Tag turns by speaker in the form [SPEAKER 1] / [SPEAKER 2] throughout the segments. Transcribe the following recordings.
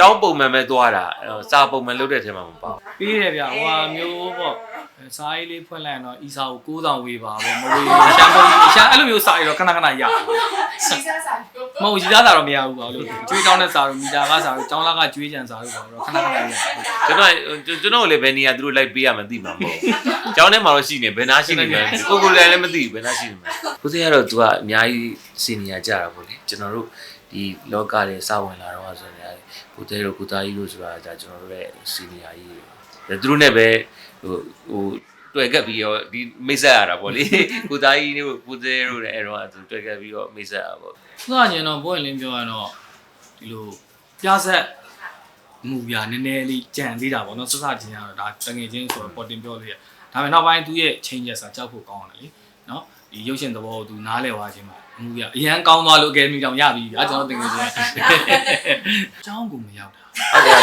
[SPEAKER 1] င်းပုံမှန်ပဲသွားတာစာပုံမှန်လုပ်တဲ့ထဲမှာမပေါ့
[SPEAKER 2] ပြီးရဗျာဟိုဟာမျိုးပေါ့စားရေးလေးဖွင့်လိုက်ရင်တော့ဤစာကို9000ဝေးပါပေါ့မဝေးရှမ်းပုံရှမ်းအဲ့လိုမျိုးစာရတော့ခဏခဏရ
[SPEAKER 3] စီစားစာ
[SPEAKER 2] မဟုတ်ရီသားစာတော့မရဘူးပါလို့ကျွေးတောင်းတဲ့စာတော့မီတာကစာတော့ကျောင်းလာကကျွေးကြံစာတော့ခဏခဏရ
[SPEAKER 1] ကျွန်တော်လည်းဘယ်နေရာသူတို့လိုက်ပေးရမှသိမှာမဟုတ်ကျောင်းထဲမှာတော့ရှိနေဘယ်နာရှိနေလဲကိုလည်းမသိဘူးဘယ်နာရှိနေမှာကိုစေကတော့ तू ကအများကြီးစီနီယာကြတာပေါ့လေကျွန်တော်တို့ဒီလောကတွေစဝင်လာတော့ဆိုရင်ကိုတဲတို့ကိုသားကြီးတို့ဆိုတာဒါကျွန်တော်တို့ရဲ့စီနီယာကြီးတွေသူတို့နဲ့ပဲဟိုတွေ့ခဲ့ပြီးတော့ဒီမိတ်ဆက်ရတာပေါ့လေကိုသားကြီးတို့ကိုတဲတို့လည်းအဲ့တော့သူတွေ့ခဲ့ပြီးတော့မိတ်ဆက်ရပေါ့
[SPEAKER 2] သူကညင်တော့ဘွင့်လင်းပြောရတော့ဒီလိုပြဆက်မူပြနည်းနည်းလေးကြံသေးတာပေါ့နော်စစချင်းကတော့ဒါတငယ်ချင်းဆိုတော့ပေါ်တင်ပြောလို့ရဒါပေမဲ့နောက်ပိုင်းသူရဲ့ changes စာကြောက်ဖို့ကောင်းတယ်လေနော်ဒီရုပ်ရှင်သဘောကိုသူနားလည်သွားခြင်းမှာမူပြအရန်ကောင်းသွားလို့အကယ်ဒမီတောင်ရပြီဗျာကျွန်တော်တင်ငယ်ချင်းအကြောင်းကိုမရောက်တာ
[SPEAKER 1] ဟုတ်တယ်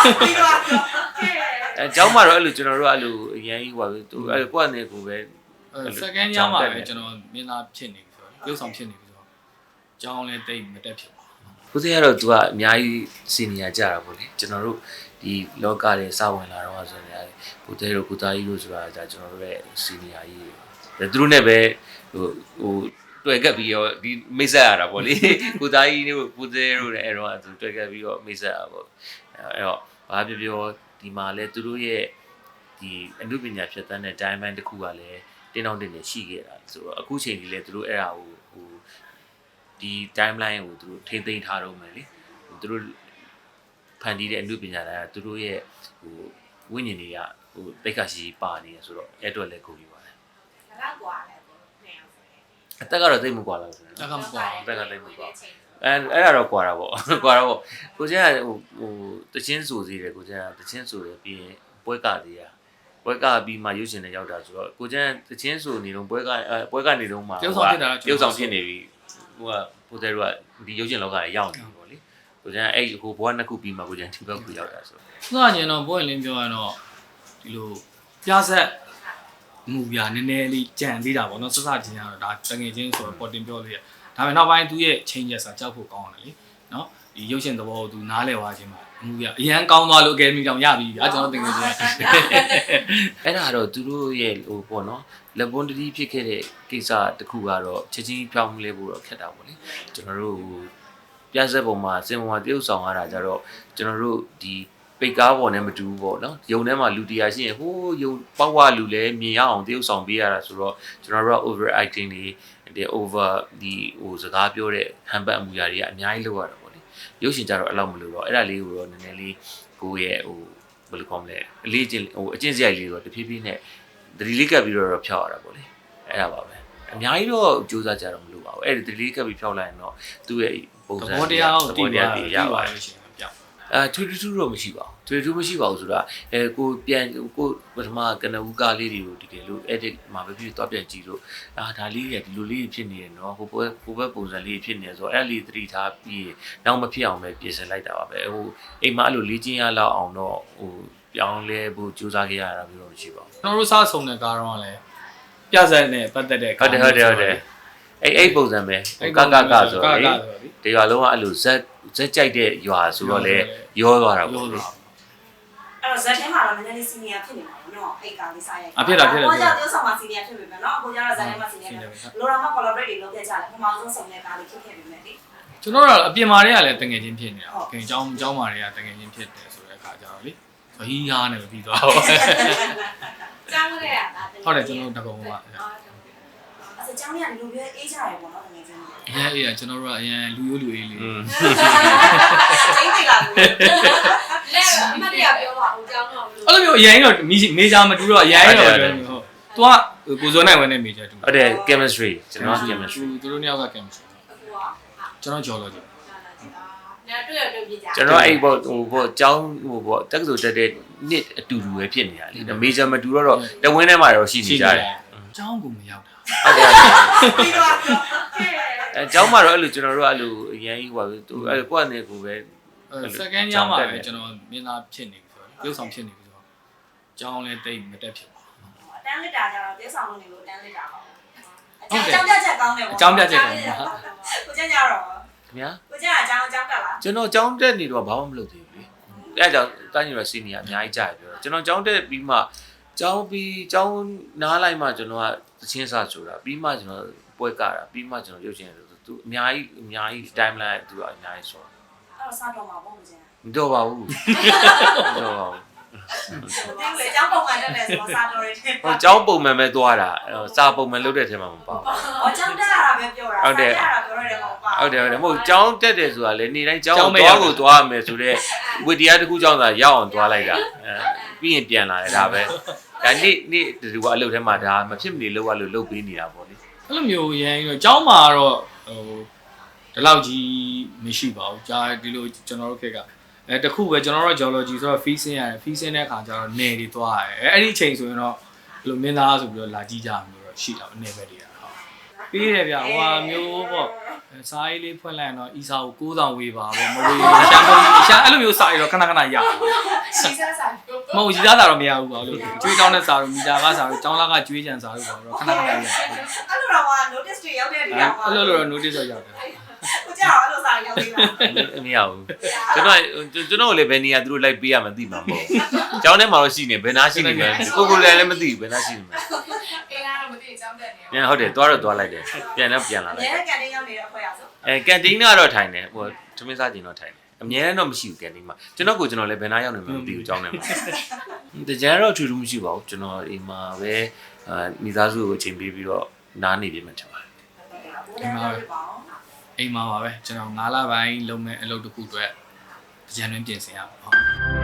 [SPEAKER 1] အဲကျောင်းမှာတော့အဲ့လိုကျွန်တော်တို့အဲ့လိုအရင်ကြီးဟိုသူအဲ့ကိုယ့်အနေကိုပဲ
[SPEAKER 2] စကန်ညမှာပဲကျွန်တော်မင်းသားဖြစ်နေပြီဆိုတော့ရုပ်ဆောင်ဖြစ်နေပြီဆိုတော့ကျောင်းလည်းတိတ်မတက်ဖြစ်ပါ
[SPEAKER 1] ဘူးကိုစေကတော့ तू ကအများကြီးစီနီယာကြတာပေါ့လေကျွန်တော်တို့ဒီလောကတွေစဝင်လာတော့ဆိုရင်ကိုတဲတို့ကိုသားကြီးတို့ဆိုတာဒါကျွန်တော်တို့ရဲ့စီနီယာကြီးတွေသူတို့နဲ့ပဲဟိုတွေ့ခဲ့ပြီးတော့ဒီမိတ်ဆက်ရတာပေါ့လေကိုသားကြီးတို့ကိုတဲတို့လည်းအဲ့တော့သူတွေ့ခဲ့ပြီးတော့မိတ်ဆက်ရပေါ့အဲ့တော့ဘာပြောပြောဒီမှာလဲသူတို့ရဲ့ဒီအမှုပညာဖြတ်သန်းတဲ့ diamond တစ်ခုကလည်းတင်းတောင်းတင်နေရှိခဲ့တာဆိုတော့အခုချိန်ကြီးလဲသူတို့အဲ့ဒါကိုဟိုဒီ timeline ကိုသူတို့ထိမ့်သိမ်းထားတော့မယ်လေသူတို့ဖန်တီးတဲ့အမှုပညာတိုင်းကသူတို့ရဲ့ဟိုဝိညာဉ်တွေကဟိုတိတ်ခါရှိပါနေရဆိုတော့အဲ့အတွက်လည်းကုန်ပြီပါတယ်
[SPEAKER 3] ဘယ်လောက်กว่าလဲကိုနေအောင်ဆိုရင်
[SPEAKER 1] အသက်ကတော့သိပ်မကွာလောက်ဘူး
[SPEAKER 2] တက်ကမကွာ
[SPEAKER 1] အသက်ကသိပ်မကွာအဲ့ဒါတော့ကွာတာပေါ့ကွာတော့ကိုကျန်ကဟိုတချင်းဆိုသေးတယ်ကိုကျန်ကတချင်းဆိုတယ်ပြီးရင်ပွဲကသေးရပွဲကပြီးမှရုပ်ရှင်နဲ့ရောက်တာဆိုတော့ကိုကျန်တချင်းဆိုနေတော့ပွဲကနေတော့မှ
[SPEAKER 2] ပြုတ်ဆောင်
[SPEAKER 1] ဖြစ်နေပြီဟိုကပိုတဲတို့ကဒီရုပ်ရှင်လောကကြီးရောက်နေပြီပေါ့လေကိုကျန်အဲ့ဟိုဘွားနှစ်ခုပြီးမှကိုကျန်ဒီဘက်ကိုရောက်တာဆို
[SPEAKER 2] တော့သူကညင်တော့ဘွင့်လင်းပြောရတော့ဒီလိုပြဆက်မူပြနည်းနည်းလေးကြံသေးတာပေါ့နော်စစချင်းကတော့ဒါတငယ်ချင်းဆိုတော့ပေါ်တင်ပြောလို့ရဒါပေမဲ့နောက်ပိုင်းသူရဲ့ changes စာကြောက်ဖို့ကောင်းတယ်လေနော်ဒီရုပ်ရှင်သဘောကိုသူနားလည်သွားခြင်းမှာမူပြအရန်ကောင်းသွားလို့အကယ်ဒမီတောင်ရပြီဗျာကျွန်တော်တင်ငယ်ချင်း
[SPEAKER 1] အဲ့ဒါတော့သူတို့ရဲ့ဟိုပေါ့နော်လက်ပွန်တတိဖြစ်ခဲ့တဲ့ကိစ္စတစ်ခုကတော့ချက်ချင်းပြောင်းလဲဖို့တော့ခက်တာပေါ့လေကျွန်တော်တို့ပြဆက်ပုံမှာစင်ပုံမှာတရုပ်ဆောင်ရတာကြတော့ကျွန်တော်တို့ဒီပိတ်ကားပေါ်နဲ့မတူဘူးပေါ့နော်ယုံထဲမှာလူတရားရှိရင်ဟိုးယုံပေါက်ဝလူလဲမြင်ရအောင်တရုပ်ဆောင်ပေးရတာဆိုတော့ကျွန်တော်တို့က over acting တွေ over ဒီဟိုစကားပြောတဲ့ဟန်ပတ်အမှုရာတွေကအများကြီးလုပ်ရတာပေါ့လေရုပ်ရှင်ကြတော့အဲ့လောက်မလို့တော့အဲ့ဒါလေးကိုတော့နည်းနည်းလေးကိုရဲ့ဟိုဘယ်လိုကောင်းလဲအလေးချင်းဟိုအကျင့်စရိုက်လေးတော့တဖြည်းဖြည်းနဲ့သတိလေးကပ်ပြီးတော့ဖြောက်ရတာပေါ့လေအဲ့ဒါပါပဲအများကြီးတော့စူးစမ်းကြတော့မလို့ပါဘူးအဲ့ဒီသတိလေးကပ်ပြီးဖြောက်လိုက်ရင်တော့သူ့ရဲ့ပုံစံ
[SPEAKER 2] သဘောတရားကိုတည်ရပါတယ်ရှင်ပြောင်း
[SPEAKER 1] ထွေထူးတော့မရှိပါဘူးထွေထူးမရှိပါဘူးဆိုတာကိုပြန်ကိုပထမကနဦးကားလေးတွေကိုတကယ်လို့ edit မှာပဲပြီးတော့ပြန်ကြည့်လို့ဒါလေးတွေဒီလိုလေးဖြစ်နေတယ်နော်ဟိုဘက်ပုံစံလေးဖြစ်နေဆိုတော့အဲ့လေးသတိထားပြီးနောက်မဖြစ်အောင်ပဲပြင်ဆင်လိုက်တာပါပဲဟိုအိမ်မှာအဲ့လိုလေ့ကျင့်ရလောက်အောင်တော့ဟိုပြောင်းလဲဖို့ကြိုးစားခဲ့ရတာမျိုးတော့မရှိပါဘူး
[SPEAKER 2] ကျွန်တော်တို့စားဆုံးတဲ့ကားတော့လည်းပြဆက်နဲ့ပတ်သက်တဲ့
[SPEAKER 1] ဟုတ်တယ်အဲ့ပုံစံပဲကဆိုတော့လေဒီရွာလုံးကအဲ့လိုဇက်ကြိုက်တဲ့ရွာဆိုတော့လေရောသွားတာပေါ့
[SPEAKER 3] အဲ့တော့ဇက်ထဲမှာတော့နည်းနည်းလေးစီနီယာဖြစ်နေမှာပေါ့နော်အဲ့ကားလေးစားရိုက်
[SPEAKER 2] ဖြစ်တာကို
[SPEAKER 3] ကြောင့်တိုးဆောင်မှာစီနီယာဖြစ်ပြီပဲနော်ကိုကြောင့်ဇက်ထဲမှာစီနီယာလိုတော့မှ collaborate တွေလုပ်ခဲ့ကြတယ်ပထမဆုံးဆောင်တဲ့ကားလေးဖြစ်ခဲ့ပြီမဲ့လေ
[SPEAKER 2] ကျွန်တော်တို့အပြင်မာတွေကလည်းတငယ်ချင်းဖြစ်နေတာခင်ကျောင်းမာတွေကတငယ်ချင်းဖြစ်တယ်ဆိုတဲ့အခါကျတော့လေဟီးဟားနဲ့ပြီးသွားတော့
[SPEAKER 3] ကျောင်းလေးอ่ะ
[SPEAKER 2] ဟုတ်တယ်ကျွန်တော်တကုံပါ
[SPEAKER 3] အဲ့ကျောင်းလေးကလူပြအေးကြရပေါ့နော်တကယ်ချင်း
[SPEAKER 2] အေးကျွန်တော်တို့ကအရင်လူရိုးလူအေးလေး
[SPEAKER 3] ကျင်းနေလာဘူးလဲအမတရားပြောပါဦးကျောင်းတော့
[SPEAKER 2] အဲ့လိုမျိုးအရင်တော့မေဂျာမတူတော့အရင်တော့ပြောနေဟုတ်သူကကိုစိုးနိုင်ဝင်တဲ့မေဂျာတူ
[SPEAKER 1] ဟုတ်တယ် chemistry ကျွန်တော် chemistry
[SPEAKER 2] သူတို့နှစ်ယောက်က chemistry ကျွန်တော် geology
[SPEAKER 3] တွေ့ပြကြ
[SPEAKER 1] ကျွန်တော်အဲ့ပေါ့ဟိုကျောင်းဟိုပေါ့တက္ကသိုလ်တက်တဲ့နှစ်အတူတူပဲဖြစ်နေတာလေ major မတူတော့တဝင်းထဲမှာတော့ရှိနေကြတယ်
[SPEAKER 2] ကျောင်းကိုမရောက်တာ
[SPEAKER 1] ဟုတ်တယ်ကျောင်းမှာတော့အဲ့လိုကျွန်တော်တို့အဲ့လိုအရင်ကြီးဟိုသူအဲ့ကိုယ့်အနေကိုပဲ
[SPEAKER 2] စကန်ညမှာပဲကျွန်တော်မင်းသားဖြစ်နေပြီဆိုတော့ရုပ်ဆောင်ဖြစ်နေပြီဆိုတော့ကျောင်းလည်းတိတ်မတက်ဖြစ်ပါဘူး
[SPEAKER 3] အတန်းလက်တာကြတော့ရုပ်ဆောင်လို့နေလို့အတန်းလက်တာပါအကြောင်းပြချက်ကောင်းတယ်ပေါ့
[SPEAKER 2] အကြောင်းပြချက်ကောင်းပါ
[SPEAKER 3] ကိုကျန်ကြတော့
[SPEAKER 1] ခင်ဗျာ
[SPEAKER 3] ကိုကျန်ကအကြောင်းတက်လား
[SPEAKER 1] ကျွန်တော်ကျောင်းတက်နေတော့ဘာမှမလုပ်သေးဘူးလေအဲ့ကြောင့်တာညီရစီနီကအများကြီးကြာပြောကျွန်တော်ကျောင်းတက်ပြီးမှကျောင်းနားလိုက်မှကျွန်တော်ကသချင်းစာဆိုတာပြီးမှကျွန်တော်ပွဲကတာပြီးမှကျွန်တော်ရုပ်ရှင်သူအများကြီး timeline သူကအများကြီးဆို
[SPEAKER 3] အဲ့တော့စားတော့မှာပေါ့မကျန်
[SPEAKER 1] မတော်ပါဘူးမတော်ပါဘူး
[SPEAKER 3] တင်းလေကျောင်းပုံမှန်တက်တယ်ဆိုတော့စားတော့ရတယ်
[SPEAKER 1] ဟိုကျောင်းပုံမှန်ပဲသွားတာစာပုံမှန်လုပ်တဲ့ထဲမှာမပါဘူး
[SPEAKER 3] ။အော်ကျောင်းတက်ရတာပဲပြောတာ။ဟုတ်တယ်။ပြောရတယ်မဟုတ်ပါဘူး
[SPEAKER 1] ဟုတ်တယ်မဟုတ်ကျောင်းတက်တယ်ဆိုတာလေနေတိုင်းကျောင်းသွားကိုသွားရမယ်ဆိုတော့ဝိတရားတစ်ခုကျောင်းသာရောက်အောင်သွားလိုက်တာပြီးရင်ပြန်လာတယ်ဒါပဲဒါနေ့ဒီကအလုပ်ထဲမှာဒါမဖြစ်မနေလောက်ရလို့လုပ်ပေးနေတာပေါ့လေ
[SPEAKER 2] အဲ့လိုမျိုးရန်ပြီးတော့ကျောင်းမှာတော့ဟိုဒီလောက်ကြီးမရှိပါဘူးကြာဒီလိုကျွန်တော်တို့ခေတ်ကတခုပဲကျွန်တော်တို့ geology ဆိုတော့ feasing ရတယ် feasing တဲ့အခါကျတော့နယ်တွေသွားရတယ်အဲ့ဒီအချိန်ဆိုရင်တော့ဘယ်လိုမင်းသားဆိုပြီးတော့လာကြည့်ကြမျိုးတော့ရှိတာပဲနယ်ဘက်တွေကဟုတ်ပြီးတယ်ဗျဟိုဟာမျိုးပေါ့စားရေးလေးဖွင့်လိုက်ရင်တော့ဤစာကို9000ဝေးပါပေါ့မဝေးရှမ်းကုန်ရှမ်းအဲ့လိုမျိုးစာရတော့ခဏရအောင်
[SPEAKER 3] ။စီစားစားပြော
[SPEAKER 2] မဟုတ်ရီသားစာတော့မရဘူးပါလို့ကျွေးတောင်းတဲ့စာတော့မီတာကစာတော့ကျောင်းလာကကျွေးကြံစာတော့ခဏရအောင်
[SPEAKER 3] ။အဲ့လိုတော့က notice တွေရောက်တဲ့နေရာမှာ
[SPEAKER 2] အဲ့လိုတော့ notice တော့ရောက်တယ်
[SPEAKER 3] ကိုကြောက်အဲ့လိုစားရောက်သေးလား
[SPEAKER 1] မရဘူးကျွန်တော်လည်းဘယ်နေရာသူတို့လိုက်ပေးရမှသိမှာမဟုတ်ကျောင်းထဲမှာတော့ရှိနေဘယ်နာရှိနေလဲကိုလည်းမသိဘူးဘယ်နာရှိနေမလဲ
[SPEAKER 3] ။အေးကတော့မသိကြောင်းတက်နေ
[SPEAKER 1] ပြန်ဟုတ်တယ်သွားလိုက်တယ်ပြန်လာ
[SPEAKER 3] ။
[SPEAKER 1] လိုက်
[SPEAKER 3] ရဲကန်တင်းရောက်နေတဲ့အဖွဲ့ရဆို
[SPEAKER 1] ကန်တင်းကတော့ထိုင်တယ်ဟိုသမင်းစားကျင်တော့ထိုင်တယ်အများနဲ့တော့မရှိဘူးကန်တင်းမှာကျွန်တော်လည်းဘယ်နာရောက်နေမှမသိဘူးကျောင်းထဲမှာတကြံတော့ထူးထူးမရှိပါဘူးကျွန်တော်အိမ်မှာပဲမိသားစုကိုချိန်ပေးပြီးတော့နားနေပြမှထင်ပါတယ်
[SPEAKER 3] အိမ်မှာပါ
[SPEAKER 2] အိမ်မှာပါပဲကျွန်တော်9လပိုင်းလုံးမဲ့အလုပ်တစ်ခုအတွက်ကြံတွင်းပြင်ဆင်ရပါဟုတ်